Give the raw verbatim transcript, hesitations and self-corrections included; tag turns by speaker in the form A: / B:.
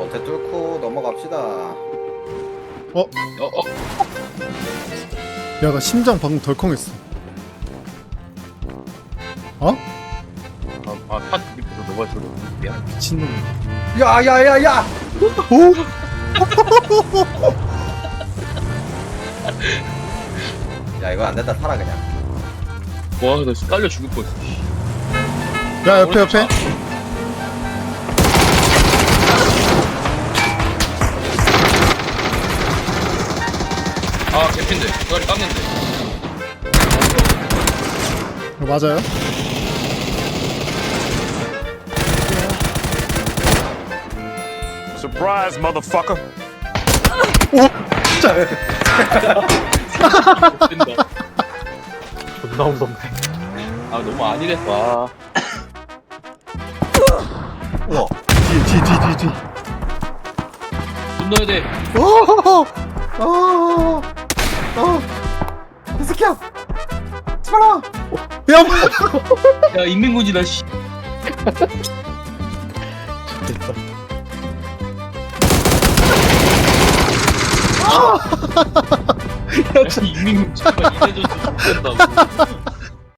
A: 겉에 뚫고 넘어갑시다.
B: 어?
C: 어, 어.
B: 야, 나 심장 방금 덜컹했어. 어?
C: 아, 아, 샷 밑으로 넘어져서 미안.
B: 미친놈.
A: 야야야야!
B: 오?
A: 야 이거 안 된다 살아 그냥.
C: 와, 나 깔려 죽을 뻔했어.
B: 야, 옆에, 옆에.
C: 아, 개핀데. 이거리 깎는데.
B: 이거 맞아요?
D: Surprise, motherfucker.
C: 된다.
E: 존나 무섭네.
C: 아, 너무 아니래. 와.
A: 우와.
B: 뒤, 뒤, 뒤, 뒤, 뒤.
C: 돈 넣어야 돼.
B: 오!
A: 어. 어. 이 새끼야. 치마라.
B: 야, 뭐.
C: 야, 인민군이다, 씨.
E: 됐다.
C: 야, 인민군 정말 이래줘서 못된다고.